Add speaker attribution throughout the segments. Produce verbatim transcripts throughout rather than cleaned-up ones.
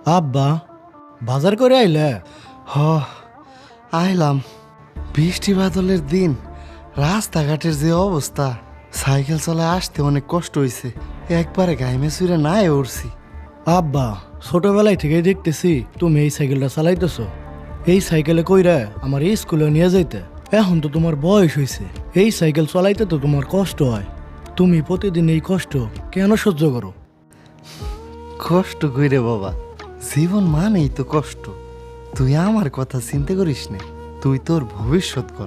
Speaker 1: আব্বা বাজার করে আইলে?
Speaker 2: হ আইলাম। বৃষ্টি বাদলের দিন, রাস্তাঘাটের যে অবস্থা, সাইকেল চলে আসতে অনেক কষ্ট হয়েছে। একবারে গাইমে চুরে নাই উঠছি।
Speaker 1: আব্বা ছোটবেলায় থেকেই দেখতেছি তুমি এই সাইকেলটা চালাইতেছ। এই সাইকেলে কইরা আমার এই স্কুলে নিয়ে যাইতে। এখন তো তোমার বয়স হয়েছে, এই সাইকেল চালাইতে তো তোমার কষ্ট হয়। তুমি প্রতিদিন এই কষ্ট কেন সহ্য করো?
Speaker 2: কষ্ট কইরে বাবা, জীবন মানেই তো কষ্ট। তুই আমার কথা চিন্তা করিস না, তুই তোর ভবিষ্যৎ কর।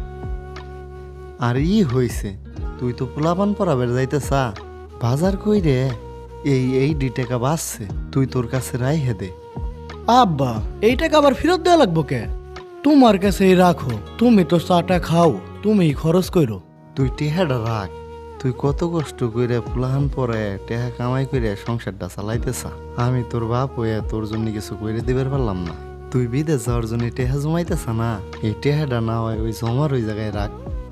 Speaker 2: আর ই হইছে, তুই তো পোলাপান পরাবের যাইতে চা, বাজার কইরে এই এই ডি টাকা বাঁচছে, তুই তোর কাছে রাইহে দে।
Speaker 1: আব্বা এই টাকা আবার ফেরত দেওয়া লাগবো কে? তোমার কাছেই রাখো, তুমি তো চাটা খাও, তুমিই খরচ করো।
Speaker 2: তুই টেহাটা রাখ। তুই কত কষ্ট কইরে ফুলাহান পরে টেহা কামাই কইরে সংসারটা চালাইতেছা। আমি তোর বাপ হয়ে তোর জন্য কিছু কইরে দিবার পারলাম না। তুই বিদেশ যাওয়ার জন্য টেহা জমাইতেছা না, এই টেহাটা না হয় ওই জমার ওই জায়গায় রাখ।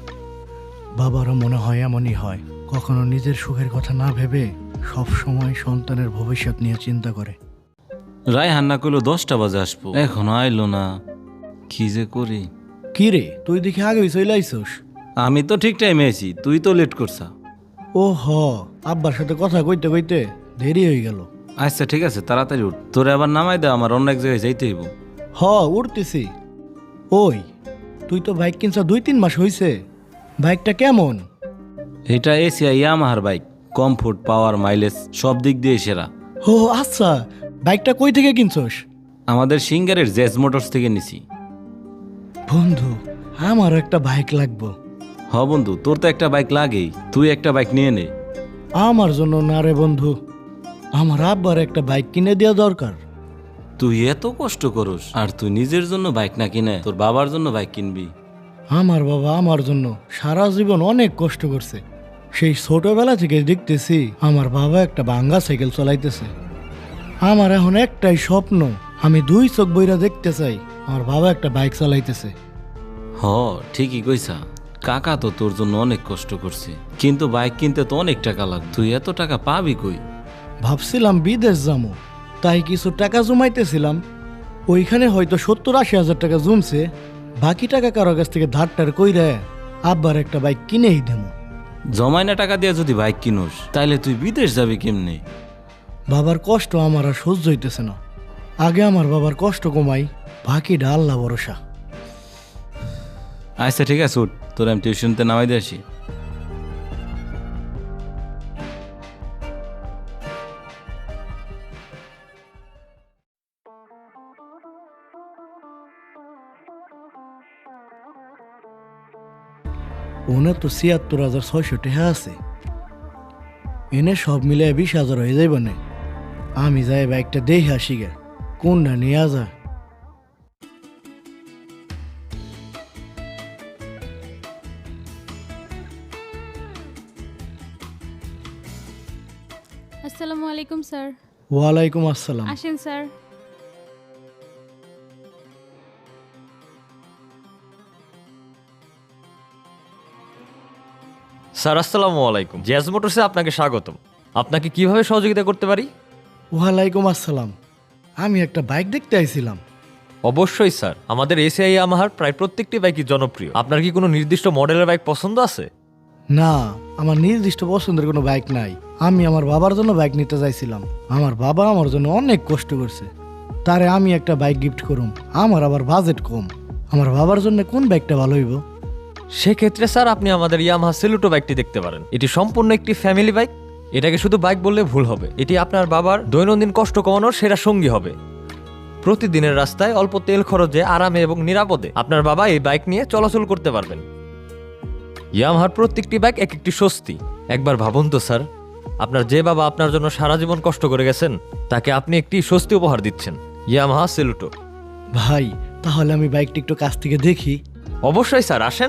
Speaker 1: বাবারও মনে হয় এমনই হয়, কখনো নিজের সুখের কথা না ভেবে সব সময় সন্তানের ভবিষ্যৎ নিয়ে চিন্তা করে।
Speaker 3: রায়হান্না কইলো দশটা বাজে আসবো, এখনো আইলো না। কি যে করি।
Speaker 1: কি রে, তুই দেখে আগে চলে আইসোস?
Speaker 3: আমি তো ঠিক টাইমে আছি, তুই তো লেট করছা।
Speaker 1: ও হ, আব্বার সাথে কথা কইতে কইতে দেরি হয়ে গেল।
Speaker 3: আচ্ছা ঠিক আছে, তাড়াতাড়ি উঠ, তোরে আবার নামাই দে, আমার অন্য এক জায়গায় যাইতে হইব।
Speaker 1: হ উঠতেছি। ওই তুই তো বাইক কিনছা দুই তিন মাস হইছে, বাইকটা কেমন?
Speaker 3: এটা এসিয়া ইয়ামাহার বাইক, কমফোর্ট, পাওয়ার, মাইলেজ সব দিক দিয়ে সেরা।
Speaker 1: ও আচ্ছা, বাইকটা কই থেকে কিনছস?
Speaker 3: আমাদের সিঙ্গারের জেজ মোটরস থেকে নিছি।
Speaker 1: বন্ধু, আমার একটা বাইক লাগবো।
Speaker 3: হ বন্ধু, তোর তো একটা বাইক লাগেই, তুই একটা বাইক নিয়ে নে।
Speaker 1: আমার জন্য না রে বন্ধু, আমার আব্বার একটা বাইক কিনে দেওয়া দরকার।
Speaker 3: তুই এত কষ্ট করস, আর তুই নিজের জন্য বাইক না কিনে তোর বাবার জন্য বাইক কিনবি?
Speaker 1: আমার বাবা আমার জন্য সারা জীবন অনেক কষ্ট করছে। সেই ছোটবেলা থেকে দেখতেছি আমার বাবা একটা ভাঙ্গা সাইকেল চালাইতেছে। আমার এখন একটাই স্বপ্ন, আমি দুই চোখ বইরা দেখতে চাই আমার বাবা একটা বাইক চালাইতেছে।
Speaker 3: হ ঠিকই কইছা, কাকা তো তোর জন্য অনেক কষ্ট করছে, কিন্তু বাইক কিনতে তো অনেক টাকা লাগবে, তুই এত টাকা পাবি কই?
Speaker 1: ভাবছিলাম বিদেশ যাবো, তাই কিছু টাকা জমাইতেছিলাম। ওইখানে হয়তো সত্তর আশি হাজার টাকা জমছে, বাকি টাকা কারো কাছ থেকে ধারটার কইরা আব্বার একটা বাইক কিনেই দেবো।
Speaker 3: জমাইনা টাকা দিয়ে যদি বাইক কিনোস, তাইলে তুই বিদেশ যাবি কেমনে?
Speaker 1: বাবার কষ্ট আমার আর সহ্য হইতেছে না। আগে আমার বাবার কষ্ট কমাই, বাকিটা আল্লাহ ভরসা।
Speaker 3: আচ্ছা ঠিক আছে, উঠ, তোর আমি টিউশনতে নামাই দিয়ে আসি।
Speaker 1: ওনে তো ছিয়াত্তর হাজার ছয়শো টাকা আছে, এনে সব মিলে বিশ হাজার হয়ে যাইব না। আমি যাই বাইকটা দেখে আসি গে, কোনটা নিয়ে যা।
Speaker 4: আসসালামু আলাইকুম স্যার।
Speaker 1: ওয়ালাইকুম আসসালাম।
Speaker 4: আসেন স্যার।
Speaker 5: স্যার আসসালামু আলাইকুম, জ্যাজ মোটরসে আপনাকে স্বাগতম। আপনাকে কিভাবে সহযোগিতা করতে পারি?
Speaker 1: ওয়ালাইকুম আসসালাম, আমি একটা বাইক দেখতে আইছিলাম।
Speaker 5: অবশ্যই স্যার, আমাদের এসিআই ইয়ামাহার প্রায় প্রত্যেকটি বাইকই জনপ্রিয়। আপনার কি কোনো নির্দিষ্ট মডেলের বাইক পছন্দ আছে?
Speaker 1: না, আমার নির্দিষ্ট পছন্দের কোনো বাইক নাই। আমি আমার বাবার জন্য বাইক নিতে চাইছিলাম। আমার বাবা আমার জন্য অনেক কষ্ট করছে, তারে আমি একটা বাইক গিফট করুম। আমার আবার বাজেট কম, আমার বাবার জন্য কোন বাইকটা ভালো হইব?
Speaker 5: সেক্ষেত্রে স্যার আপনি আমাদের ইয়ামাহা সেলুটো বাইকটি দেখতে পারেন। এটি সম্পূর্ণ একটি ফ্যামিলি বাইক। এটাকে শুধু বাইক বললে ভুল হবে, এটি আপনার বাবার দৈনন্দিন কষ্ট কমানোর সেরা সঙ্গী হবে। প্রতিদিনের রাস্তায় অল্প তেল খরচে আরামে এবং নিরাপদে আপনার বাবা এই বাইক নিয়ে চলাচল করতে পারবেন। ইয়ামাহার প্রত্যেকটি বাইক এক একটি স্বস্তি। একবার ভাবুন তো স্যার, আপনার যে বাবা আপনার জন্য সারা জীবন কষ্ট করে গেছেন, তাকে আপনি একটি স্বস্তি উপহার দিচ্ছেন। Yamaha Saluto.
Speaker 1: ভাই তাহলে আমি বাইকটা একটু কাছ থেকে দেখি।
Speaker 5: অবশ্যই স্যার, আসেন।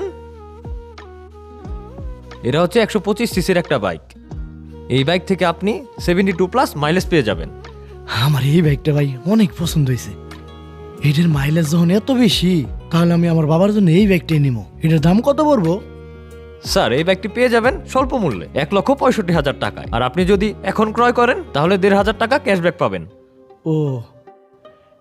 Speaker 5: এটা হচ্ছে একশো পঁচিশ সিসির একটা বাইক। এই বাইক থেকে আপনি সেভেন্টি টু প্লাস মাইলেজ পেয়ে যাবেন।
Speaker 1: আমার এই বাইকটা ভাই অনেক পছন্দ হয়েছে। এটার মাইলেজ যখন এত বেশি, তাহলে আমি আমার বাবার জন্য এই বাইকটাই নিব। এটার দাম কত পড়বো?
Speaker 5: স্যার এই বাইকটি পেয়ে যাবেন স্বল্প মূল্যে, এক লক্ষ পঁয়ষট্টি হাজার টাকায়। আর আপনি যদি এখন ক্রয় করেন তাহলে দেড় হাজার টাকা ক্যাশব্যাক পাবেন।
Speaker 1: ও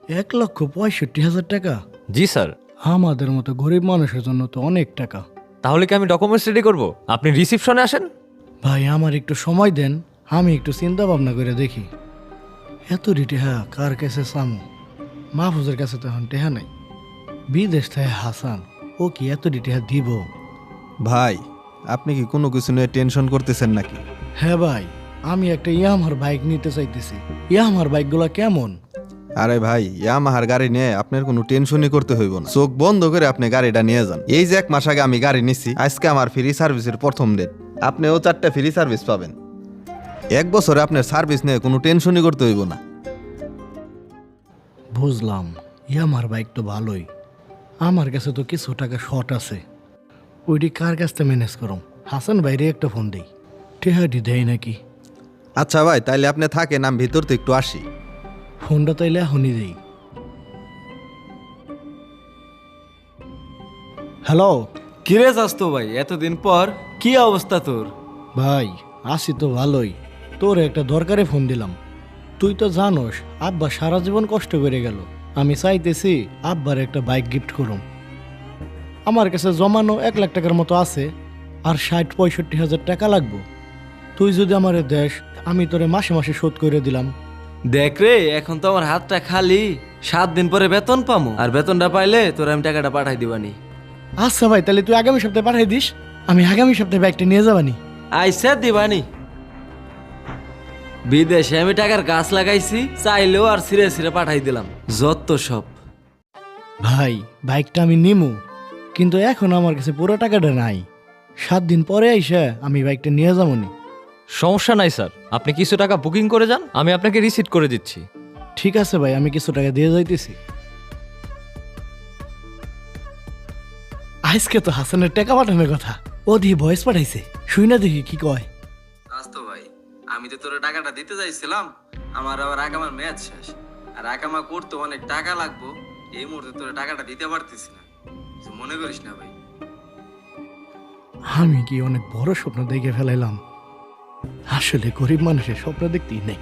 Speaker 1: এক লক্ষ পঁয়ষট্টি হাজার টাকা
Speaker 5: জি স্যার।
Speaker 1: আমাদের মতো গরিব মানুষের জন্য তো অনেক টাকা।
Speaker 5: তাহলে কি আমি ডকুমেন্টস রেডি করব? আপনি রিসিপশনে আসেন।
Speaker 1: ভাই আমার একটু সময় দেন, আমি একটু চিন্তা ভাবনা করে দেখি। এত টেহা কার কাছে সামু? মাহফুজের কাছে তো এখন টেহা নাই। বিদেশ থেকে হাসান, ও কি এত টেহা দিব?
Speaker 6: ভাই আপনি কি কোনো কিছু নিয়ে টেনশন করতেছেন নাকি?
Speaker 1: হ্যাঁ ভাই, আমি একটা ইয়ামাহার বাইক নিতে চাইতেছি। ইয়ামাহার বাইকগুলো কেমন?
Speaker 6: আরে ভাই ইয়ামাহার গাড়ি নিয়ে আপনার কোনো টেনশনই করতে হইব না। চোখ বন্ধ করে আপনি গাড়িটা নিয়ে যান। এই যে এক মাস আগে আমি গাড়ি নিছি, আজকে আমার ফ্রি সার্ভিসের প্রথম ডেট। আপনিও চারটা ফ্রি সার্ভিস পাবেন। এক বছরে আপনার সার্ভিস নিয়ে কোনো টেনশনই করতে হইব না।
Speaker 1: বুঝলাম, ইয়ামাহার বাইক তো ভালোই। আমার কাছে তো কিছু টাকা শর্ট আছে, ওইটি কার কাছ থেকে ম্যানেজ করম? হাসান ভাইরে একটা ফোন দেই, টেহাটি দেয় নাকি?
Speaker 6: আচ্ছা ভাই তাইলে আপনি থাকেন, আমি ভিতর তো একটু আসি।
Speaker 1: ফোনটা তাইলে এখনই দেই। হ্যালো
Speaker 7: কিরে তো ভাই, এতদিন পর কি অবস্থা তোর?
Speaker 1: ভাই, আসি তো ভালোই। তোর একটা দরকারে ফোন দিলাম। তুই তো জানোস আব্বা সারা জীবন কষ্ট করে গেল। আমি চাইতেছি আব্বার একটা বাইক গিফট করুম। আমার কাছে জমানো এক লাখ টাকার মতো আছে, আর ষাট পঁয়ষট্টি হাজার টাকা লাগবো। তুই যদি আমারে দেশ, আমি তোরে মাসে মাসে শোধ করে দিলাম।
Speaker 7: দেখ রে, এখন তো আমার হাতটা খালি। সাত দিন পরে বেতন পামু, আর বেতনটা পাইলে তোর আমি টাকাটা পাঠাই দিবানি।
Speaker 1: আচ্ছা ভাই, তাহলে তুই আগামী সপ্তাহে পাঠাই দিস, আমি আগামী সপ্তাহে বাইকটা নিয়ে যাবানি।
Speaker 7: আইসা দিবানি। বিদেশে আমি টাকার গাছ লাগাইছি, চাইলেও আর ছিঁড়ে ছিঁড়ে পাঠাই দিলাম। যত সব।
Speaker 1: ভাই, বাইকটা আমি নিমু, কিন্তু এখন আমার কাছে পুরো টাকাটা নাই। সাত দিন পরে আইসা আমি বাইকটা নিয়ে যাবনি।
Speaker 5: সমস্যা নাই স্যার, আপনি কিছু টাকা বুকিং করে যান, আমি আপনাকে রিসিট করে দিচ্ছি।
Speaker 1: ঠিক আছে ভাই, আমি কিছু টাকা দিয়ে যাইতেছি। আজকে তো হাসানের টাকা পাঠানোর কথা, ও দিয়ে ভয়েস পাঠাইছে, শুই না দেখি কি কয়।
Speaker 7: তো ভাই, আমি তো তোর টাকাটা দিতে চাইছিলাম, আমার আবার আগামার ম্যাচ শেষ, আর আগামা করতে অনেক টাকা লাগবো। এই মুহূর্তে তোর টাকাটা দিতে পারতেছি না, কিছু মনে করিস না ভাই।
Speaker 1: আমি কি অনেক বড় স্বপ্ন দেখে ফেলাইলাম? আসলে গরিব মানুষের স্বপ্ন দেখতেই নেই।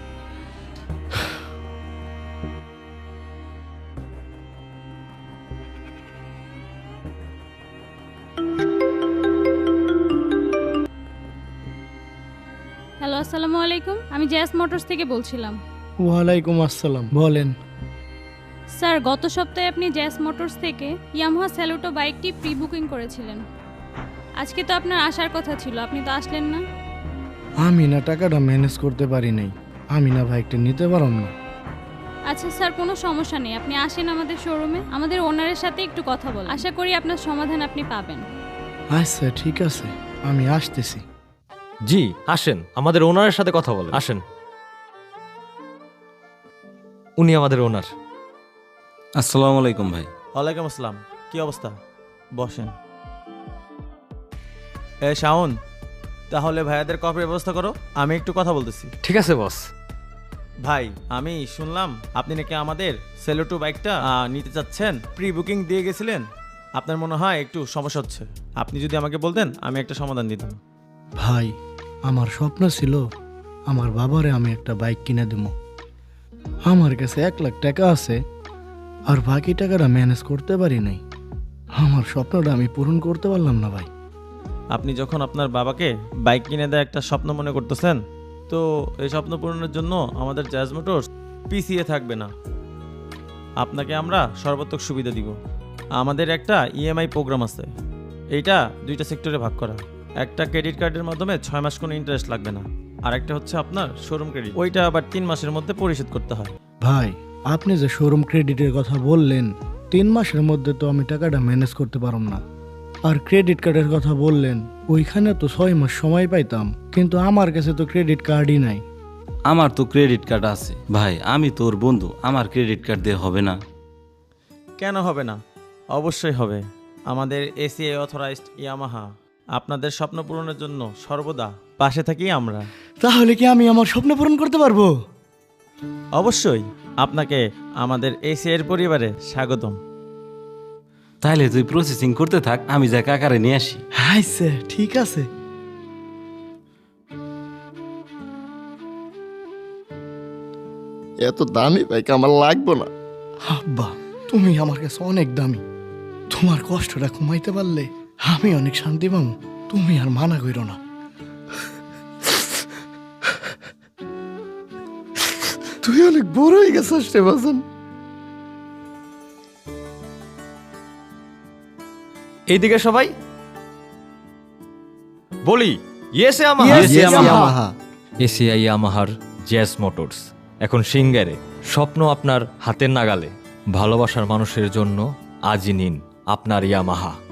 Speaker 4: হ্যালো, আসসালামু আলাইকুম। আমি জ্যাস মোটরস থেকে বলছিলাম।
Speaker 1: ওয়ালাইকুম আসসালাম, বলেন।
Speaker 4: স্যার, গত সপ্তাহে আপনি জ্যাস মোটরস থেকে ইয়ামাহা স্যালুটো বাইকটি প্রি বুকিং করেছিলেন। আজকে তো আপনার আসার কথা ছিল, আপনি তো আসলেন না।
Speaker 1: আমি না টাকাটা ম্যানেজ করতে পারি নাই, আমি না বাইকটা নিতে পারলাম না।
Speaker 4: আচ্ছা স্যার, কোনো সমস্যা নেই, আপনি আসেন আমাদের শোরুমে, আমাদের ওনারের সাথে একটু কথা বল। আশা করি আপনার সমাধান আপনি পাবেন।
Speaker 1: আচ্ছা ঠিক আছে, আমি আসতেছি।
Speaker 5: জি আসেন, আমাদের ওনারের সাথে কথা বলেন, আসেন। উনি আমাদের ওনার।
Speaker 3: আসসালামু আলাইকুম ভাই।
Speaker 8: ওয়ালাইকুম আসসালাম। কি অবস্থা? বসেন। এ শাওন, তাহলে ভাইয়াদের কফির ব্যবস্থা করো, আমি একটু কথা বলতেছি।
Speaker 5: ঠিক আছে বস।
Speaker 8: ভাই, আমি শুনলাম আপনি নাকি আমাদের সেলোটো বাইকটা আহ, নিতে চাচ্ছেন, প্রি বুকিং দিয়ে গেছিলেন। আপনার মনে হয় একটু সমস্যা হচ্ছে। আপনি যদি আমাকে বলতেন আমি একটা সমাধান দিতাম।
Speaker 1: ভাই, আমার স্বপ্ন ছিল আমার বাবারে আমি একটা বাইক কিনে দেবো। আমার কাছে এক লাখ টাকা আছে, আর বাকি টাকাটা ম্যানেজ করতে পারি নাই। আমার স্বপ্নটা আমি পূরণ করতে পারলাম না ভাই।
Speaker 8: আপনি যখন আপনার বাবাকে বাইক কিনে দেয় একটা স্বপ্ন মনে করতেছেন, তো এই স্বপ্ন পূরণের জন্য আমাদের জ্যাজ মোটরস পিছিয়ে থাকবে না। আপনাকে আমরা সর্বাত্মক সুবিধা দিব। আমাদের একটা ইএমআই প্রোগ্রাম আছে, এইটা দুইটা সেক্টরে ভাগ করা। একটা ক্রেডিট কার্ডের মাধ্যমে ছয় মাস কোনো ইন্টারেস্ট লাগবে না, আর একটা হচ্ছে আপনার শোরুম ক্রেডিট, ওইটা আবার তিন মাসের মধ্যে পরিশোধ করতে হয়।
Speaker 1: ভাই, আপনি যে শোরুম ক্রেডিটের কথা বললেন, তিন মাসের মধ্যে তো আমি টাকাটা ম্যানেজ করতে পারলাম না। আর ক্রেডিট কার্ডের কথা বললেন, ওইখানে তো ছয় মাস সময় পাইতাম, কিন্তু আমার কাছে তো ক্রেডিট কার্ডই নাই।
Speaker 3: আমার তো ক্রেডিট কার্ড আছে ভাই, আমি তোর বন্ধু, আমার ক্রেডিট কার্ড দিয়ে হবে না?
Speaker 8: কেন হবে না? অবশ্যই হবে। আমাদের এসিআই অথরাইজড ইয়ামাহা আপনাদের স্বপ্ন পূরণের জন্য সর্বদা পাশে থাকি আমরা।
Speaker 1: তাহলে কি আমি আমার স্বপ্ন পূরণ করতে পারবো?
Speaker 8: অবশ্যই। আপনাকে আমাদের এসিআইয়ের পরিবারে স্বাগতম।
Speaker 3: তাহলে তুই প্রসেসিং করতে থাক, আমি যা কাকারে নিয়ে আসি।
Speaker 1: আচ্ছা ঠিক আছে।
Speaker 2: এত দামি বাইক আমার লাগবে না,
Speaker 1: আব্বা, তুমি আমার কাছে অনেক দামি। তোমার কষ্টটা কমাইতে পারলে আমি অনেক শান্তি পাবো। তুমি আর মানা করো না।
Speaker 2: তুই অনেক বড় হয়ে গেছিস রে বাজান।
Speaker 5: এইদিকে সবাই বলি ইয়েসে আমার
Speaker 2: Yes, Yamaha।
Speaker 5: এসিআই ইয়ামাহার জ্যাজ মোটরস এখন সিঙ্গারে। স্বপ্ন আপনার হাতের নাগালে। ভালোবাসার মানুষের জন্য আজই নিন আপনার ইয়ামাহা।